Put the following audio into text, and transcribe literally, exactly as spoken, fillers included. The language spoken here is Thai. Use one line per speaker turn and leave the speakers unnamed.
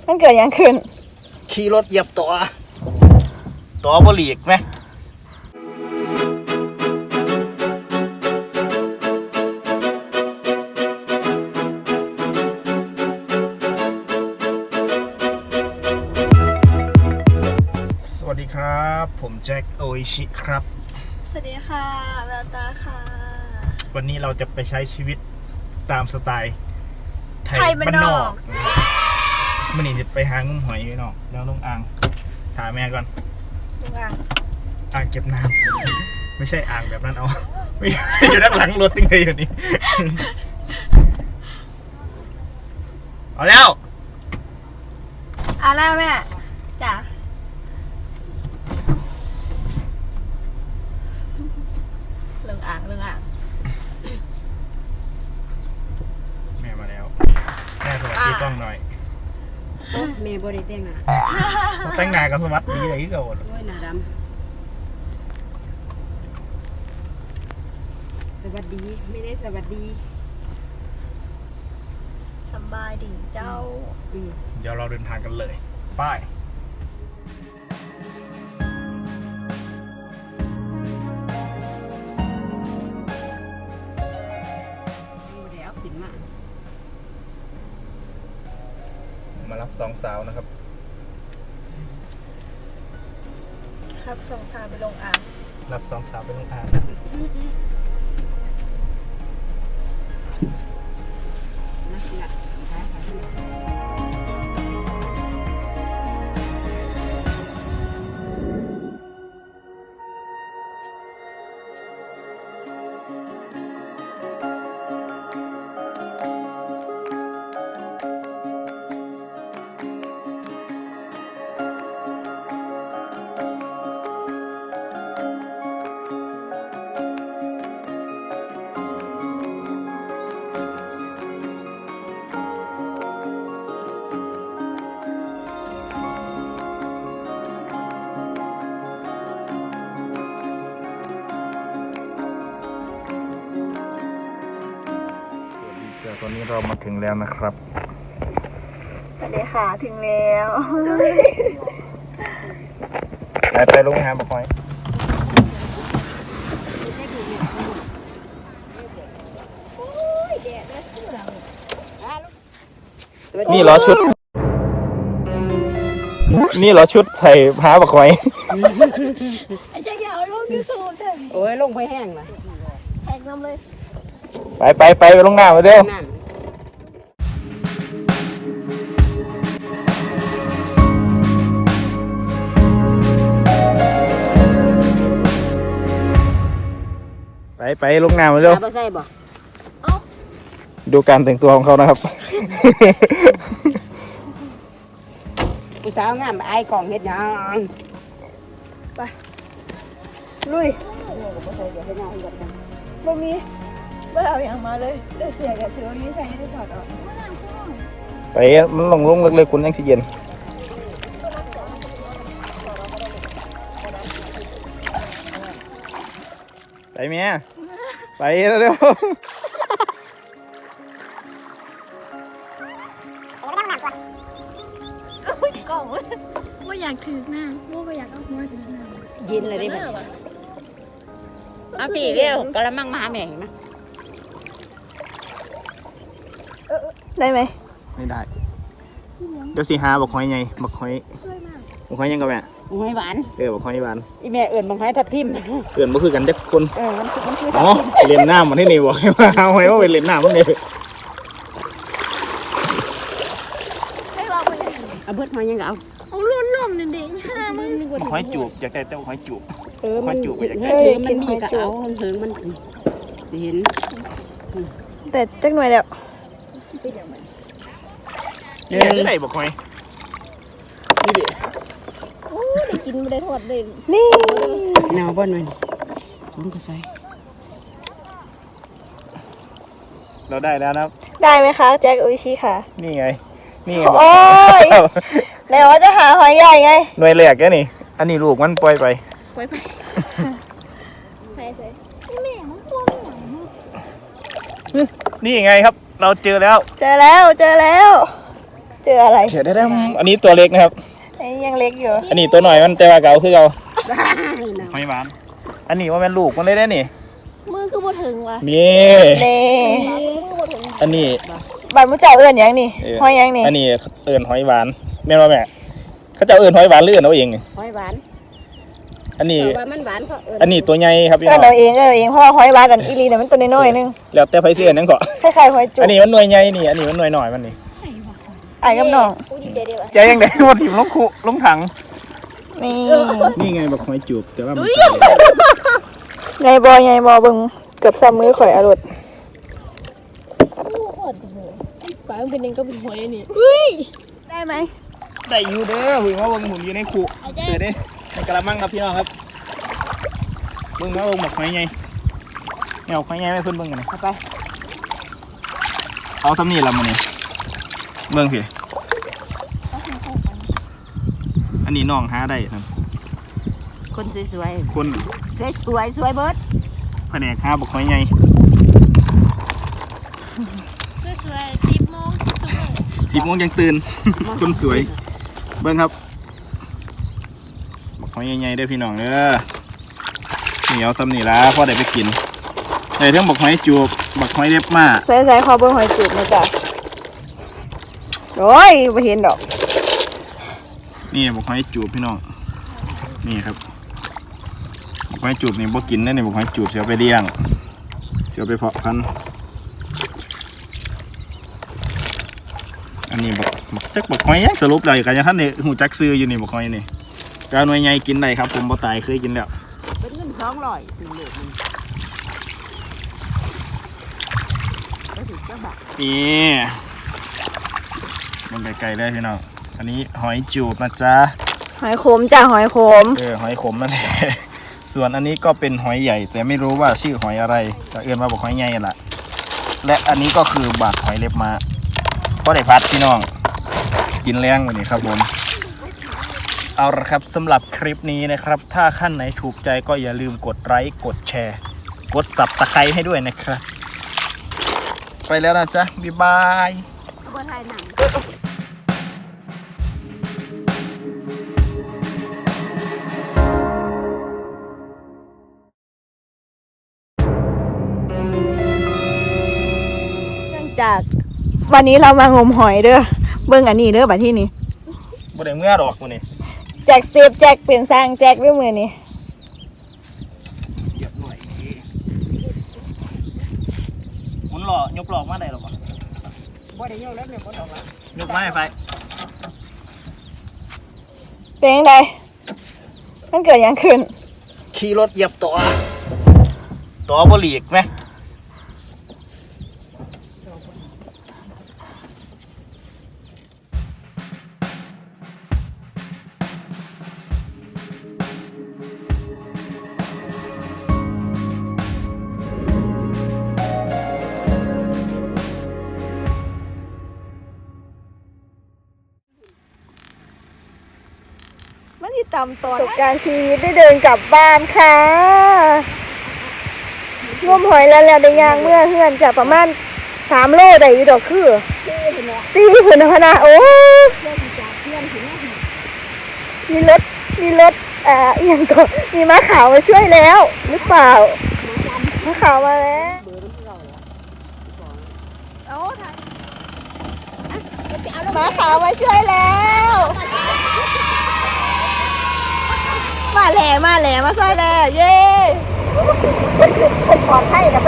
มันเกิดยังขึ้น
ขี่รถเหยียบตัวตัวบหลีกไหมสวัสดีครับผมแจ็คโออิชิครับ
สวัสดีค่ะแววตาค่ะ
วันนี้เราจะไปใช้ชีวิตตามสไตล์ไทย
ไทยบ้านนอก
มันนี่จะไปหางุ้มหอยพี่น้องแล้วลงอ่างถามแม่ก่อน
ลงอ่าง
อ่างเก็บน้ำไม่ใช่อ่างแบบนั้นเอาไม่อยู่ด้านหลังรถติ้งเลยอยู่นี่เอาแล้ว
เอาแล้วแม่จ้ะลงอ่างลงอ่าง
แม่มาแล้วแม่สวัสดีกล้องหน่อย
แม่บริแต่งหน้า
แต่งหน้ากับสวัสดีอะไรที่เก่าหมด
โอ้ยหน้าดำสวัสดีไม่ได้สวัสดี
สบายดีเจ้า
เดี๋ยวเราเดินทางกันเลยป้าย
แล้วขึ้นมา
มารับสองสาวนะครับ
ครับสองสาวไปลงอ่าง
รับสองสาวไปลงอ่างตอนนี้เรามาถึงแล้วนะครับ
สวัสดีค่ะถึงแล้ว
ไปไปลงหาบ่คอยนี่เหรอชุดนี่เหรอชุดใส่ผ้าบ่คอย
ไอ้แจ็คอย่าเอาลงยูทูบเถอะ
โอ้ยลงไปแห้งละ
แท็กน้ำเลย
ไปไปไปไปลงหน้ามาเร็วไปไปลงหน้ามาเร็ว
ใส่บ่
ดูการแต่งตัวของเขานะครับ
ผู้สาวงามไอ้กล่องเฮ็ดยัง
ไปลุยบ่มีไม่เอาอย่างมาเลยแต่เสียกับเซลลี่ใครได้ถอดออก
ไปมันลงลงเลยคุณยังสิเย็นไปเมียไปเร็ว
กล่องว่าอยากถือหน้าว่าอยากเอาหัวถือหน้า
เย็นเลยได้ไหมเอาพี่เร็วกระมังมาแม่งนะ
ได้ไหม
ไม่ได้เดี๋ยวสิหาบักหอยไงบักหอยบักหอยยังกับแม่
บักหอยหวาน
เออบักหอยหวาน
อีแม่เอื่นบักหอยทับทิม
เอื่นบ่คือกันจักคน
เออมันคือมันคือ
อ๋อเล่นน้ำมันที่นี่บอกให้ว่าเอาไว้ว่าไปเล่นน้ำมันนี่
เอาเบิดหอยยังเอา
เอาล้วนนมเด็กๆห้ามึง
บักหอยจูบอยากได้แต่บักหอยจูบ
เออมันจูบอยากได้มันมีกระเอาเถิงมันเห็น
แต่จักหน่อยแล้ว
นี่จะได้บักหอยนี่ดิ
โอ้ได้กินไม่ได้ทอดเลยนี่
หนาวบ้านมันผมก็ใส่
เราได้แล้วนะ
ได้ไหมคะแจ็คอุยชิค่ะ
นี่ไงนี่ไง
โอ้ยไหนว่าจะหาหอยใหญ่ไง
หน่วยแรกแกนี่อันนี้ลูกมันปล่อยไป
ปล่อยไปใส่ใส่แม่มันตัวไม่ใหญ่
นี่ไงครับเราเจอแล้ว
เจอแล้วเจอแล้ว
เจออะไร
เดี๋ยวได้อันนี้ตัวเล็กนะครับ
ไอ้ยังเล็กอยู่
อันนี้ตัวหน่อยมันแต่ว่าเก่าคือเก่าหอยหวานอันนี้ว่าเป็นลูกมันเลยได้นี่
มือคือบ่ถึงวะ
นี่
เน่
อันนี้
บ้านมุ้เจ้าเอื้อนหยังนี่
เออ
หอยหยังนี่
อันนี้เอิญหอยหวานแม่นว่าแม่เขาจะเอิญหอยหวานหรือเอิญเอาเองนี่
หอยหวาน
อันนี้
แต่ว่ามันหวานเขาเอิ้น
อันนี้ตัวใหญ่ครับพี่
เอื้
น้
อ
อน ง
เอาเองเอื้อนเอาเองเพราะว่าหอยหวานกันอีหลีเนี่ยมันตัวน้อยๆนึง
แล้วแต่ไผสิเอิญนั่นก็
คล้ายๆหอยจุ๊
อั
บ
นนี้มันหน่วยใหญ่นี่อันนี้มันหน่วยหน่อยมันนี่
ไอ้กับน้อง
กูดีใจเดียว
ใจยังไงว่าถิ่มลงคุลงถัง
นี่
นี่ไงบอกหอยจูบแต่ว่ามัน
ไงบอไงบอเบิ่งเกือบซ้ำมือข่อยอรด
ปลามันเป็นยังก็เป็นหอยนี่
ได้ไหม
ได้อยู่เด้อหุ่นว่าเบิ่งหุ่นอยู่ในคุเจอเด้ในกระมังครับพี่น้องครับเบิ่งว่าเบิ่งบอกหอยไงเนี่ยเอาหอยไงไม่เพิ่นเบิ่งกันนะ
เอาไป
เอาทำนี่ละมันนี่เบิ่งพี่อันนี้น้องหาได้ครับ
คนสวย
คน
ๆสวยสวยสวยเบิด
แผนกหาบอกหอยไง
สวยๆสิบโมงทุกโมง
สิบโมงยังตื่น คนสวย เบิ่งครับบอกหอยใหญ่ๆเด้อพี่น้องเด้อเหนียวซ้ำนี่ละพ่อได้ไปกินได้ทั้งบอกหอยจูบบอกหอยเล็บมา
ใส่ใส่ขอเบิ่งหอยจุ๊บนะจ๊ะโอ้ยไม่เห็นดอก
นี่บอกหอยจูบพี่น้องนี่ครับบอกหอยจูบนี่บ่กินได้นี่บอกหอยจูบเสียไปเลี้ยงเสียไปเพาะพันธุ์อันนี้บอกบอกจักบอกหอยยังสรุปเลยกันยังท่านนี่หูจักซื้ออยู่นี่บอกหอยนี่กาหน่วยใหญ่กินได้ครับผมบ่ตายเคยกินแล้ว
เป็นเงินสองร้อยสี่เหลือมันก็ถือเจ้าบัก
นี่มันไกลๆได้พี่น้องอันนี้หอยจูบนะจ๊ะ
หอยขมจ้ะหอยขม
เออหอยขมนั่นแหละ ส่วนอันนี้ก็เป็นหอยใหญ่ แต่ไม่รู้ว่าชื่อหอยอะไรแต่เอื้อนมาบอกหอยใหญ่ล่ะและอันนี้ก็คือบาดหอยเล็บม้าก็ได้พัดพี่น้องกินแรงวันนี้ครับผมเอาละครับสำหรับคลิปนี้นะครับ ถ้าขั้นไหนถูกใจก็อย่าลืมกดไลค์กดแชร์ กดสับตะไคร้ให้ด้วยนะครับไปแล้วนะจ๊ะบ๊ายบาย
บ่ทายหนัง
เนื่องจากวันนี้เรามางมหอยเด้อเบิ่งอันนี้เด้อบัดที่นี่
บ่ได้เมื่อดอกมันนี่
แจกเซฟแจกเป็นสร้างแจกด้วยมือนี่
เหยียบหน่อยหมุนหล่อยกหลอกมาได้หรอปะ
บ่ได้โยกแล้วเนี่ยบ่ดอกละ
ยกมาให้ไป
เป็นยังไงมันเกิดหยังขึ้น
ขี่รถเหยียบตัวตัวบ่หลีกไหม
มันที่ต่ำตอนประสบการณ์ชีวิตได้เดินกลับบ้านค่ะร่วมหอยแล้วแล้วได้ยางเมื่อเฮือนจะประมาณสามโลได้อยู่ดอกคือสี่ผืนพนาโอ้มีรถมีรถอ่าเอียงก็มีม้าขาวมาช่วยแล้วหรือเปล่าม้าขาวมาแล้วม้าขาวมาช่วยแล้วมาแล้วมาแล้วมาช่วยแล้วเย้เป็นปลอดภัยนะ